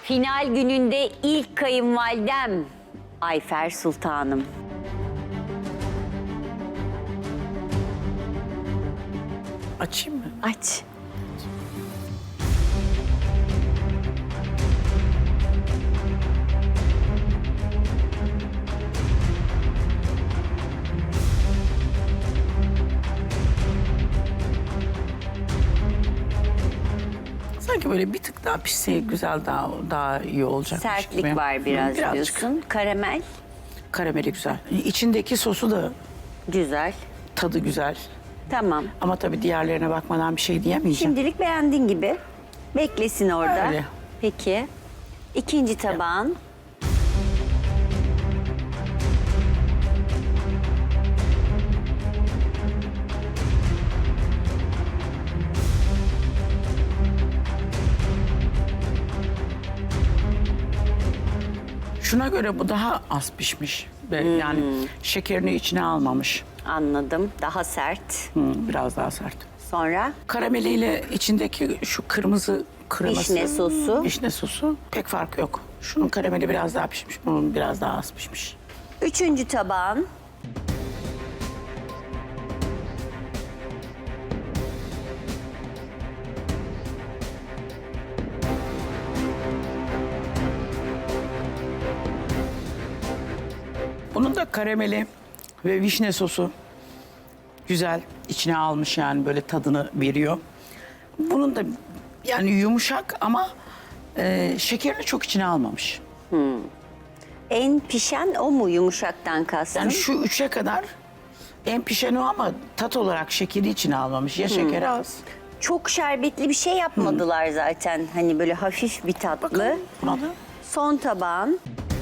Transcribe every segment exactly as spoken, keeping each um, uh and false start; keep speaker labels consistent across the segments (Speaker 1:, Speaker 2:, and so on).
Speaker 1: Final gününde ilk kayınvalidem Ayfer Sultanım.
Speaker 2: Açayım mı?
Speaker 1: Aç.
Speaker 2: Sanki böyle bir tık daha pişse güzel, daha daha iyi olacak.
Speaker 1: Sertlik var biraz diyorsun. Karamel.
Speaker 2: Karameli güzel. İçindeki sosu da
Speaker 1: Güzel.
Speaker 2: tadı güzel.
Speaker 1: Tamam.
Speaker 2: Ama tabii diğerlerine bakmadan bir şey diyemeyeceğim.
Speaker 1: Şimdilik beğendiğin gibi. Beklesin orada.
Speaker 2: Öyle.
Speaker 1: Peki. İkinci tabağın.
Speaker 2: Şuna göre bu daha az pişmiş. Ve Yani şekerini içine almamış.
Speaker 1: Anladım. Daha sert.
Speaker 2: Hı, biraz daha sert.
Speaker 1: Sonra
Speaker 2: Karameliyle içindeki şu kırmızı kreması.
Speaker 1: Vişne sosu.
Speaker 2: Vişne sosu pek fark yok. Şunun karameli biraz daha pişmiş, bunun biraz daha az pişmiş.
Speaker 1: üçüncü tabağın.
Speaker 2: Bunun da karameli ve vişne sosu güzel içine almış, yani böyle tadını veriyor. Bunun da yani yumuşak ama e, şekerini çok içine almamış.
Speaker 1: En pişen o mu yumuşaktan kastın?
Speaker 2: Yani şu üçe kadar en pişen o ama tat olarak şekeri içine almamış. Ya şekeri az.
Speaker 1: Çok şerbetli bir şey yapmadılar zaten. Hani böyle hafif bir tatlı.
Speaker 2: Bakalım buna da.
Speaker 1: Son tabağın.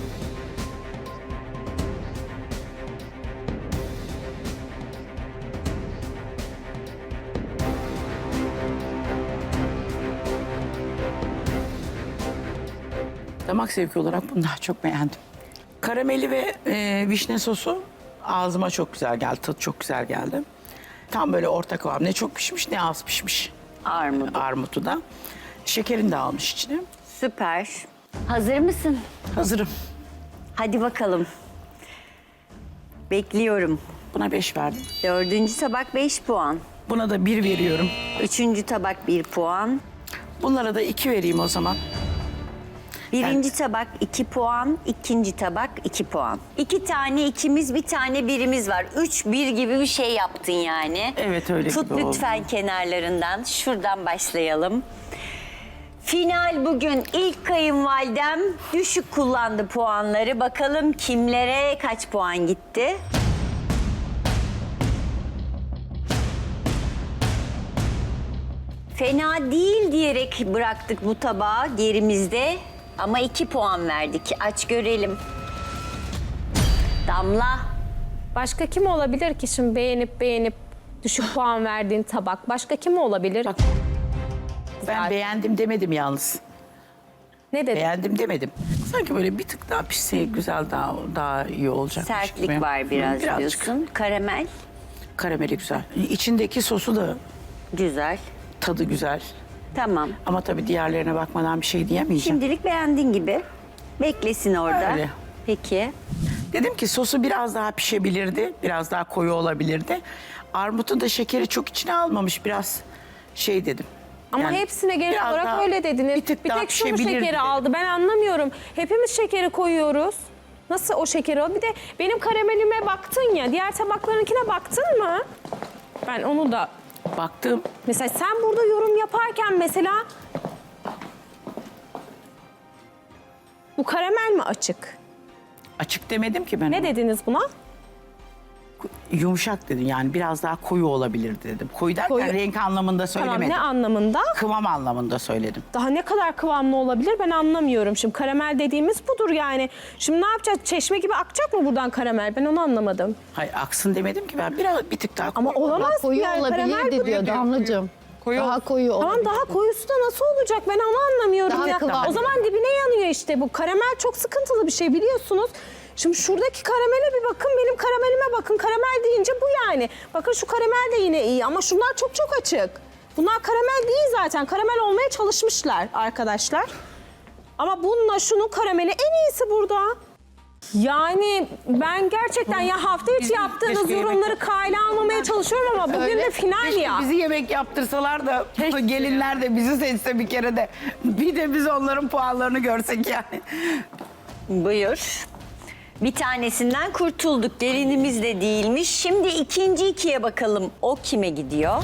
Speaker 2: Damak zevki olarak bunu daha çok beğendim. Karameli ve e, vişne sosu ağzıma çok güzel geldi. Tadı çok güzel geldi. Tam böyle orta kıvam. Ne çok pişmiş ne az pişmiş.
Speaker 1: Armut.
Speaker 2: Armutu da. Şekerini de almış içine.
Speaker 1: Süper. Hazır mısın?
Speaker 2: Hazırım.
Speaker 1: Hadi bakalım. Bekliyorum.
Speaker 2: Buna beş verdim.
Speaker 1: Dördüncü tabak beş puan.
Speaker 2: Buna da bir veriyorum.
Speaker 1: Üçüncü tabak bir puan.
Speaker 2: Bunlara da iki vereyim o zaman.
Speaker 1: Birinci tabak iki puan, ikinci tabak iki puan. İki tane ikimiz, bir tane birimiz var. Üç bir gibi bir şey yaptın yani.
Speaker 2: Evet, öyle
Speaker 1: Tut
Speaker 2: gibi oldu.
Speaker 1: lütfen kenarlarından. Şuradan başlayalım. Final bugün ilk kayınvalidem düşük kullandı puanları. Bakalım kimlere kaç puan gitti? Fena değil diyerek bıraktık bu tabağı gerimizde. Ama iki puan verdik. Aç görelim. Damla.
Speaker 3: Başka kim olabilir ki şimdi beğenip beğenip düşük puan verdiğin tabak? Başka kim olabilir?
Speaker 2: Bak, ben
Speaker 3: Zaten.
Speaker 2: beğendim demedim yalnız.
Speaker 3: Ne dedin?
Speaker 2: Beğendim demedim. Sanki böyle bir tık daha pişse güzel, daha daha iyi olacak.
Speaker 1: Sertlik var biraz diyorsun. Karamel.
Speaker 2: Karameli güzel. İçindeki sosu da
Speaker 1: Güzel.
Speaker 2: tadı güzel.
Speaker 1: Tamam.
Speaker 2: Ama tabii diğerlerine bakmadan bir şey diyemeyeceğim.
Speaker 1: Şimdilik beğendiğin gibi. Beklesin orada.
Speaker 2: Öyle.
Speaker 1: Peki.
Speaker 2: Dedim ki sosu biraz daha pişebilirdi. Biraz daha koyu olabilirdi. Armutun da şekeri çok içine almamış. Biraz şey dedim.
Speaker 3: Ama
Speaker 2: Yani
Speaker 3: hepsine genel
Speaker 2: biraz
Speaker 3: olarak
Speaker 2: daha-
Speaker 3: öyle dediniz.
Speaker 2: Bir tık
Speaker 3: bir
Speaker 2: daha
Speaker 3: tek şu mu
Speaker 2: pişebilirdi
Speaker 3: şekeri
Speaker 2: dedim.
Speaker 3: aldı ben anlamıyorum. Hepimiz şekeri koyuyoruz. Nasıl o şekeri o? Bir de benim karamelime baktın ya. Diğer tabaklarınkine baktın mı? Ben onu da...
Speaker 2: Baktım.
Speaker 3: Mesela sen burada yorum yaparken mesela... Bu karamel mi açık?
Speaker 2: Açık demedim ki ben.
Speaker 3: Ne
Speaker 2: ona.
Speaker 3: dediniz buna?
Speaker 2: Yumuşak dedim, yani biraz daha koyu olabilirdi dedim. Koyu derken
Speaker 3: Koyu-
Speaker 2: renk anlamında
Speaker 3: Tamam
Speaker 2: söylemedim.
Speaker 3: ne anlamında?
Speaker 2: Kıvam anlamında söyledim.
Speaker 3: Daha ne kadar kıvamlı olabilir ben anlamıyorum. Şimdi karamel dediğimiz budur yani. Şimdi ne yapacağız? Çeşme gibi akacak mı buradan karamel? Ben onu anlamadım.
Speaker 2: Hayır, aksın demedim ki ben, biraz bir tık daha
Speaker 3: Ama
Speaker 2: koyu.
Speaker 3: olamaz
Speaker 4: Koyu
Speaker 3: yani karamel
Speaker 4: olabilirdi
Speaker 3: bu.
Speaker 4: diyor Damlacığım.
Speaker 2: Koyu
Speaker 4: Daha koyu
Speaker 3: Tamam
Speaker 4: olabilir.
Speaker 3: daha koyusu da nasıl olacak ben onu anlamıyorum
Speaker 4: Daha
Speaker 3: ya.
Speaker 4: kıvamlı.
Speaker 3: O zaman dibine yanıyor işte bu. Karamel çok sıkıntılı bir şey biliyorsunuz. Şimdi şuradaki karamele bir bakın, benim karamelime bakın. Karamel deyince bu yani. Bakın şu karamel de yine iyi ama şunlar çok çok açık. Bunlar karamel değil zaten. Karamel olmaya çalışmışlar arkadaşlar. Ama bununla şunun karameli en iyisi burada. Yani ben gerçekten ya hafta içi
Speaker 2: Bizim
Speaker 3: yaptığınız
Speaker 2: keşke
Speaker 3: yorumları
Speaker 2: yemek-
Speaker 3: kale almamaya çalışıyorum ama bugün de final
Speaker 2: Keşke
Speaker 3: ya.
Speaker 2: bizi yemek yaptırsalar da gelinler de bizi seçse bir kere de. Bir de biz onların puanlarını görsek yani.
Speaker 1: Buyur. Bir tanesinden kurtulduk. Gelinimiz de değilmiş. Şimdi ikinci ikiye bakalım. O kime gidiyor?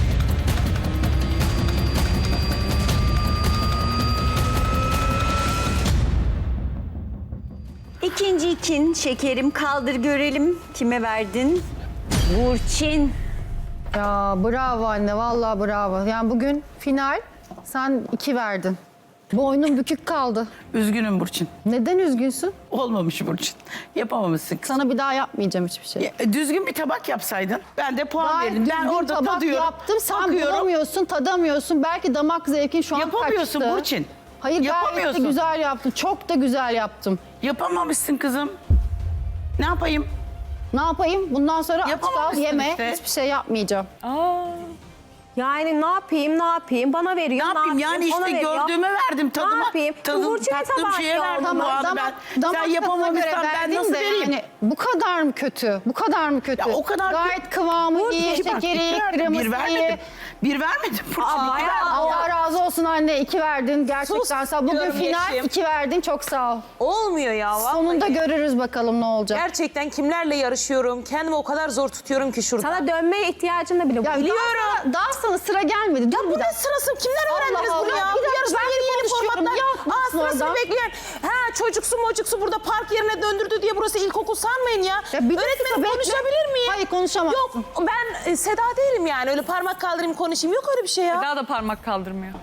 Speaker 1: İkinci ikin şekerim, kaldır görelim. Kime verdin? Burçin.
Speaker 4: Ya bravo anne, vallahi bravo. Yani bugün final, sen iki verdin. Boynun bükük kaldı.
Speaker 2: Üzgünüm Burçin.
Speaker 4: Neden üzgünsün?
Speaker 2: Olmamış Burçin. Yapamamışsın kız.
Speaker 4: Sana bir daha yapmayacağım hiçbir şey.
Speaker 2: Ya, düzgün bir tabak yapsaydın. Ben de puan
Speaker 4: Gayet
Speaker 2: verdim. Ben
Speaker 4: düzgün
Speaker 2: orada
Speaker 4: tabak
Speaker 2: tadıyorum.
Speaker 4: yaptım, sen
Speaker 2: bakıyorum.
Speaker 4: bulamıyorsun, tadamıyorsun. Belki damak zevkin şu an
Speaker 2: Yapamıyorsun
Speaker 4: kaçtı.
Speaker 2: Burçin.
Speaker 4: Hayır, gayet de
Speaker 2: Yapamıyorsun.
Speaker 4: güzel yaptım. Çok da güzel yaptım.
Speaker 2: Yapamamışsın kızım. Ne yapayım?
Speaker 4: Ne yapayım? Bundan sonra aç kal,
Speaker 2: Yapamamışsın
Speaker 4: yeme.
Speaker 2: işte.
Speaker 4: Hiçbir şey yapmayacağım.
Speaker 3: Yani ne yapayım ne yapayım bana veriyor.
Speaker 2: Ne yapayım? Yani
Speaker 3: ona
Speaker 2: işte
Speaker 3: veriyor.
Speaker 2: gördüğüme verdim tadıma.
Speaker 3: Ne yapayım?
Speaker 2: Tadım,
Speaker 3: Burçin'e
Speaker 2: tattığım
Speaker 3: tabağı
Speaker 2: şeye
Speaker 3: yok.
Speaker 2: verdim bu arada ben. Sen
Speaker 4: tadına göre
Speaker 2: yapamamışsan ben
Speaker 4: verdin
Speaker 2: nasıl
Speaker 4: de
Speaker 2: vereyim?
Speaker 4: yani bu kadar mı kötü? Bu kadar mı kötü?
Speaker 2: Ya o kadar
Speaker 4: Gayet kıvamı iyi,
Speaker 2: İki bak,
Speaker 4: şekeri
Speaker 2: iki
Speaker 4: iyi,
Speaker 2: verdim.
Speaker 4: kreması
Speaker 2: Bir
Speaker 4: iyi.
Speaker 2: vermedim. Bir vermedim Burçin.
Speaker 3: Aa,
Speaker 2: iki
Speaker 3: ya,
Speaker 2: verdim.
Speaker 4: Allah razı olsun anne, iki verdin. Gerçekten
Speaker 5: Sus
Speaker 4: sağ ol. Bugün
Speaker 5: diyorum
Speaker 4: final,
Speaker 5: Yeşim.
Speaker 4: iki verdin. Çok sağ ol.
Speaker 5: Olmuyor ya vallahi.
Speaker 4: Sonunda görürüz bakalım ne olacak.
Speaker 5: Gerçekten kimlerle yarışıyorum? Kendimi o kadar zor tutuyorum ki şurada.
Speaker 3: Sana dönmeye ihtiyacın da bile yok.
Speaker 4: Ya
Speaker 5: biliyorum.
Speaker 4: Daha sana, daha sana sıra gelmedi. Dur
Speaker 5: Bu
Speaker 4: bir
Speaker 5: ne
Speaker 4: dakika.
Speaker 5: sırası? Kimler
Speaker 4: Allah
Speaker 5: öğrendiniz
Speaker 4: Allah.
Speaker 5: bunu ya?
Speaker 4: Bir
Speaker 5: Bu
Speaker 4: dakika,
Speaker 5: yarışma
Speaker 4: ben
Speaker 5: yeni yeni
Speaker 4: konuşuyorum.
Speaker 5: formatlar.
Speaker 4: Ya,
Speaker 5: Aa
Speaker 4: yapmasın
Speaker 5: sırasını
Speaker 4: oradan.
Speaker 5: bekleyen. Ha çocuksu mocuksu burada park yerine döndürdü diye burası ilkokul sanmayın ya.
Speaker 4: Ya bir dakika,
Speaker 5: Öğretmenim
Speaker 4: bekle.
Speaker 5: konuşabilir miyim?
Speaker 4: Hayır, konuşamazsın.
Speaker 5: Yok ben e, Seda değilim yani. Öyle parmak kaldırayım konuşayım. Yok öyle bir şey ya.
Speaker 6: Daha da parmak kaldırmıyor.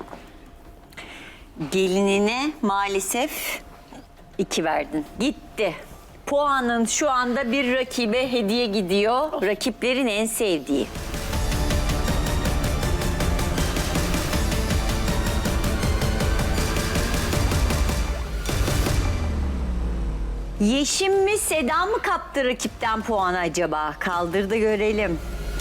Speaker 1: Gelinine maalesef iki verdin. Gitti. Puanın şu anda bir rakibe hediye gidiyor. Rakiplerin en sevdiği. Yeşim mi Seda mı kaptı rakipten puanı acaba? Kaldır da görelim.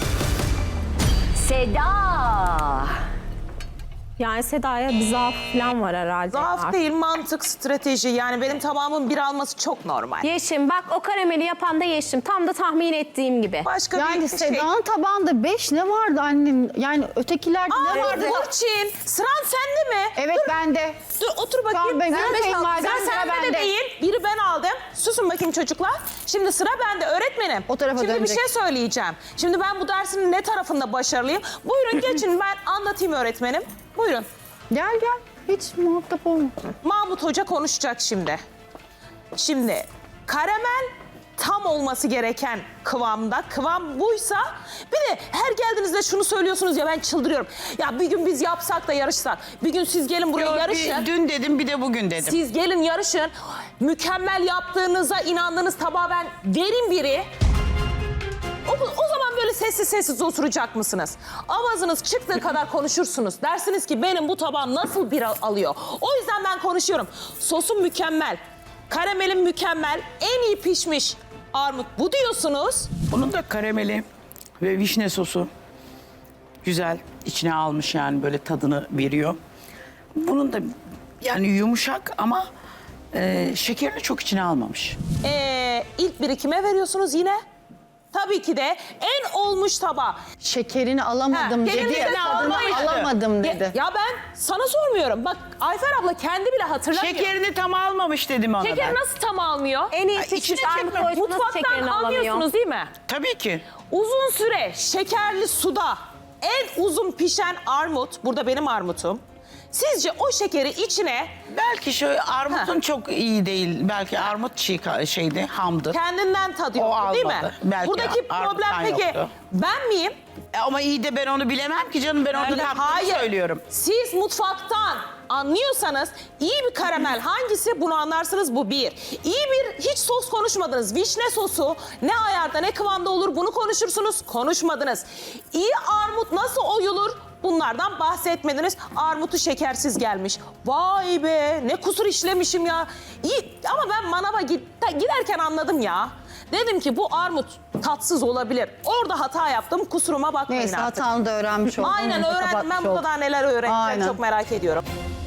Speaker 1: Seda.
Speaker 3: Yani Seda'ya bir zaaf falan var herhalde.
Speaker 5: Zaaf
Speaker 3: ya.
Speaker 5: değil mantık, strateji. Yani benim tamamım bir alması çok normal.
Speaker 3: Yeşim bak o karameli yapan da Yeşim. Tam da tahmin ettiğim gibi.
Speaker 5: Başka
Speaker 4: Yani
Speaker 5: bir şey.
Speaker 4: Seda'nın tabağında beş ne vardı annem? Yani ötekilerde ne
Speaker 5: Aa
Speaker 4: vardı?
Speaker 5: Burçin, sıran sende mi?
Speaker 4: Evet, bende.
Speaker 5: Dur otur bakayım.
Speaker 4: Tamam, ben
Speaker 5: Sen beş
Speaker 4: görmeyeyim
Speaker 5: aldın.
Speaker 4: madem,
Speaker 5: Sen
Speaker 4: sıra
Speaker 5: sende de
Speaker 4: bende.
Speaker 5: değil. Biri ben aldım. Susun bakayım çocuklar. Şimdi sıra bende öğretmenim.
Speaker 4: O tarafa
Speaker 5: Şimdi
Speaker 4: dönecek.
Speaker 5: bir şey söyleyeceğim. Şimdi ben bu dersin ne tarafında başarılıyım? Buyurun geçin ben anlatayım öğretmenim. Buyurun.
Speaker 4: Gel gel. Hiç muhatap olma.
Speaker 5: Mahmut Hoca konuşacak şimdi. Şimdi karamel tam olması gereken kıvamda. Kıvam buysa bir de her geldiğinizde şunu söylüyorsunuz ya ben çıldırıyorum. Ya bir gün biz yapsak da yarışsak. Bir gün siz gelin buraya
Speaker 2: Yo,
Speaker 5: yarışın.
Speaker 2: bir, dün dedim bir de bugün dedim.
Speaker 5: Siz gelin yarışın. Mükemmel yaptığınıza inandığınız tabağı ben verin biri. O, o zaman böyle sessiz sessiz oturacak mısınız? Avazınız çıktığı kadar konuşursunuz. Dersiniz ki benim bu tabağım nasıl bir al- alıyor. O yüzden ben konuşuyorum. Sosum mükemmel. Karamelim mükemmel. En iyi pişmiş armut bu diyorsunuz.
Speaker 2: Bunun da karameli ve vişne sosu güzel içine almış yani böyle tadını veriyor. Bunun da yani yumuşak ama e, şekerini çok içine almamış.
Speaker 5: Ee, ilk birikime veriyorsunuz yine. Tabii ki de en olmuş tabağı.
Speaker 4: Şekerini alamadım
Speaker 5: Ha,
Speaker 4: dedi.
Speaker 5: gelinlikle
Speaker 4: Tadını
Speaker 5: almayın.
Speaker 4: alamadım
Speaker 5: Ya,
Speaker 4: dedi.
Speaker 5: ya ben sana sormuyorum. Bak Ayfer abla kendi bile hatırlamıyor.
Speaker 2: Şekerini tam almamış dedim ona
Speaker 5: Şeker
Speaker 2: ben.
Speaker 5: nasıl tam almıyor?
Speaker 3: En iyi
Speaker 2: Ay, içine
Speaker 3: pişmiş armut
Speaker 2: çekme.
Speaker 3: koysa nasıl
Speaker 5: Mutfaktan
Speaker 3: şekerini alamıyor?
Speaker 5: almıyorsunuz değil mi?
Speaker 2: Tabii ki.
Speaker 5: Uzun süre şekerli suda en uzun pişen armut, burada benim armutum. Sizce o şekeri içine
Speaker 2: Belki şu armutun
Speaker 5: Ha.
Speaker 2: çok iyi değil. Belki armut çiğ şeydi, hamdı.
Speaker 5: kendinden tadıyor
Speaker 2: O
Speaker 5: değil mi?
Speaker 2: almadı. Belki
Speaker 5: Buradaki
Speaker 2: armuttan
Speaker 5: problem peki
Speaker 2: yoktu.
Speaker 5: ben miyim?
Speaker 2: E, Ama iyi de ben onu bilemem ki canım. Ben onu
Speaker 5: Öyle-
Speaker 2: tattığını söylüyorum.
Speaker 5: Siz mutfaktan anlıyorsanız iyi bir karamel hangisi bunu anlarsınız bu bir. İyi bir hiç sos konuşmadınız. Vişne sosu ne ayarda ne kıvamda olur bunu konuşursunuz. Konuşmadınız. İyi armut nasıl oyulur? Bunlardan bahsetmediniz. Armutu şekersiz gelmiş. Vay be ne kusur işlemişim ya. İyi ama ben manava git, giderken anladım ya. Dedim ki bu armut tatsız olabilir. Orada hata yaptım. Kusuruma bakmayın
Speaker 4: Neyse,
Speaker 5: artık.
Speaker 4: hatanı da öğrenmiş oldum.
Speaker 5: Aynen
Speaker 4: Onu da
Speaker 5: öğrendim. Ben
Speaker 4: kapatmış
Speaker 5: burada
Speaker 4: oldum.
Speaker 5: daha neler öğreneceğim
Speaker 4: Aynen.
Speaker 5: çok merak ediyorum.